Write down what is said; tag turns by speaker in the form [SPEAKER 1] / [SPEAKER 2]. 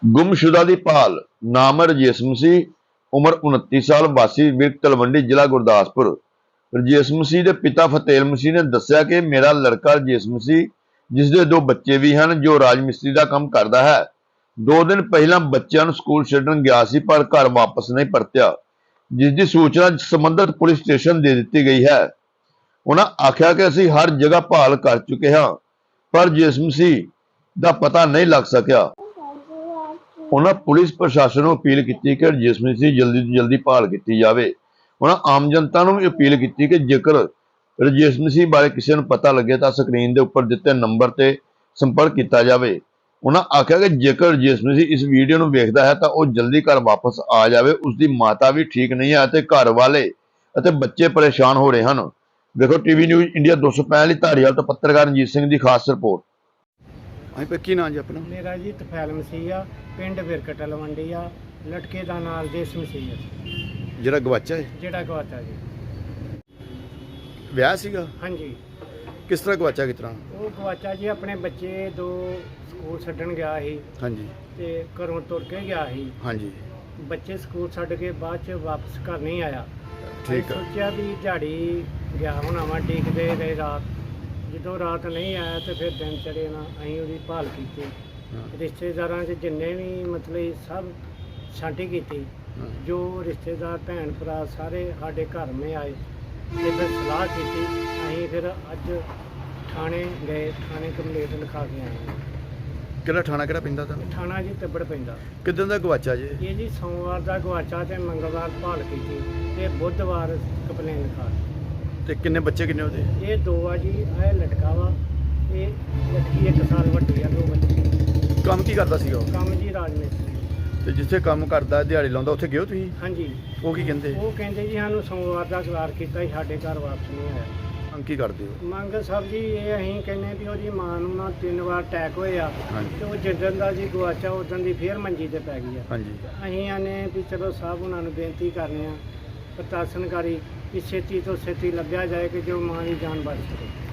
[SPEAKER 1] गुमशुदा की भाल नाम रजेश मसीह उम्र 29 साल वासी विरक तलवंडी जिला गुरदासपुर। रजेश मसीह के पिता फतेल मसीह ने दस्सिया कि मेरा लड़का रजेश मसीह जिसके दो बच्चे भी हैं जो राज मिस्त्री का काम करता है 2 दिन पहला बच्चों स्कूल छड्डण गया सी पर घर वापस नहीं परत्या, जिसकी सूचना संबंधित पुलिस स्टेशन दे दी गई है। उन्होंने आख्या कि असीं हर जगह भाल कर चुके हाँ पर रजेश मसीह का पता नहीं लग सकिया। उन्होंने पुलिस प्रशासन को अपील की कि रजेश मसीह जल्दी तो जल्दी भाल की जाए। उन्होंने आम जनता को भी अपील की कि जेकर रजेश मसीह बारे किसी को पता लगे तो स्क्रीन के उपर दिते नंबर से संपर्क किया जाए। उन्होंने आख्या कि जेकर रजेश मसीह इस वीडियो को वेखता है तो वह जल्दी घर वापस आ जाए। उसकी माता भी ठीक नहीं है तो घर वाले और बच्चे परेशान हो रहे हैं। देखो टीवी न्यूज़ इंडिया 265 धारीवाल तो पत्रकार रंजीत सिंह की खास रिपोर्ट।
[SPEAKER 2] हाँ पर की नाम जी अपना?
[SPEAKER 3] मेरा जी तफैल मसीह आ, पिंड विरक तलवंडी आ, लटके का नाम देश मसीह है
[SPEAKER 2] ਜਿਹੜਾ ਗਵਾਚਾ ਹੈ
[SPEAKER 3] ਜਿਹੜਾ ਗਵਾਚਾ जी।
[SPEAKER 2] ਵਿਆਹ ਸੀਗਾ?
[SPEAKER 3] हाँ जी,
[SPEAKER 2] ਕਿਸ ਤਰ੍ਹਾਂ ਗਵਾਚਾ ਕਿਸ ਤਰ੍ਹਾਂ?
[SPEAKER 3] वो गवाचा जी अपने बच्चे 2 स्कूल छड्डण गया ही
[SPEAKER 2] ਹਾਂਜੀ
[SPEAKER 3] ते घरों तुर के गया ही।
[SPEAKER 2] ਹਾਂਜੀ
[SPEAKER 3] बच्चे स्कूल छड्ड के बाद च वापस घर नहीं आया।
[SPEAKER 2] ठीक है।
[SPEAKER 3] सोचा भी दिहाड़ी गया होना वा, डिगदे रहे रात। ਜਦੋਂ रात नहीं आया तो फिर दिन चढ़े ना असीं ਉਹਦੀ भाल की।
[SPEAKER 2] ਹਾਂ
[SPEAKER 3] रिश्तेदारां च जिन्ने भी मतलब सब छांटी की।
[SPEAKER 2] ਹਾਂ
[SPEAKER 3] जो रिश्तेदार भैन भरा सारे साढ़े घर में आए तो फिर सलाह की। अं फिर अज थाने गए, थाने कंप्लेंट लिखा के आए।
[SPEAKER 2] ਕਿਹੜਾ ਥਾਣਾ ਕਿਹੜਾ ਪੈਂਦਾ ਤੁਹਾਨੂੰ?
[SPEAKER 3] थाना जी तिब्बड़ पैंदा।
[SPEAKER 2] ਕਿੱਦਾਂ ਦਾ ਗਵਾਚਾ ਜੀ?
[SPEAKER 3] ये जी सोमवार का गवाचा तो मंगलवार भाल की ते बुधवार कंप्लेंट लिखा।
[SPEAKER 2] ਤੇ ਕਿੰਨੇ ਬੱਚੇ ਕਿੰਨੇ ਉਹਦੇ?
[SPEAKER 3] ये 2 आ जी, यह लटका वा, ये लटकी 1 साल वड्डी आ, 2 बच्चे।
[SPEAKER 2] ਕੰਮ ਕੀ ਕਰਦਾ ਸੀਗਾ ਉਹ?
[SPEAKER 3] काम जी राजमिस्त्री।
[SPEAKER 2] ਤੇ ਜਿੱਥੇ ਕੰਮ ਕਰਦਾ ਦਿਹਾੜੀ ਲਾਉਂਦਾ ਉੱਥੇ ਗਏ ਹੋ ਤੁਸੀਂ?
[SPEAKER 3] हाँ जी,
[SPEAKER 2] ਉਹ ਕੀ ਕਹਿੰਦੇ?
[SPEAKER 3] वो कहते जी सानू सोमवार का करार किया, साढ़े घर वापस नहीं आया।
[SPEAKER 2] ਕੰਮ ਕੀ ਕਰਦੇ ਹੋ?
[SPEAKER 3] ਮੰਗ ਸਾਹਿਬ ਜੀ ਇਹ ਅਸੀਂ ਕਹਿੰਦੇ ਵੀ ਉਹਦੀ ਮਾਂ ਨੂੰ ਨਾ 3 ਵਾਰ ਅਟੈਕ ਹੋਏ ਆ
[SPEAKER 2] ਹਾਂਜੀ
[SPEAKER 3] ਤੇ ਉਹ ਜਿੱਦਣ ਦਾ ਜੀ ਗਵਾਚਾ ਉਦੋਂ ਦੀ ਫੇਰ ਮੰਜੀ ਤੇ ਪੈ ਗਈ ਆ।
[SPEAKER 2] ਹਾਂਜੀ
[SPEAKER 3] ਅਸੀਂ ਆਨੇ ਵੀ ਚਲੋ ਸਾਹਿਬ ਉਹਨਾਂ ਨੂੰ ਬੇਨਤੀ ਕਰਨੇ ਆ ਪ੍ਰਸ਼ਾਸਨਕਾਰੀ ਕਿ ਛੇਤੀ ਤੋਂ ਛੇਤੀ ਲੱਗਿਆ ਜਾਏ ਕਿ ਜੋ ਮਾਂ ਦੀ ਜਾਨ ਬਚ ਸਕੇ।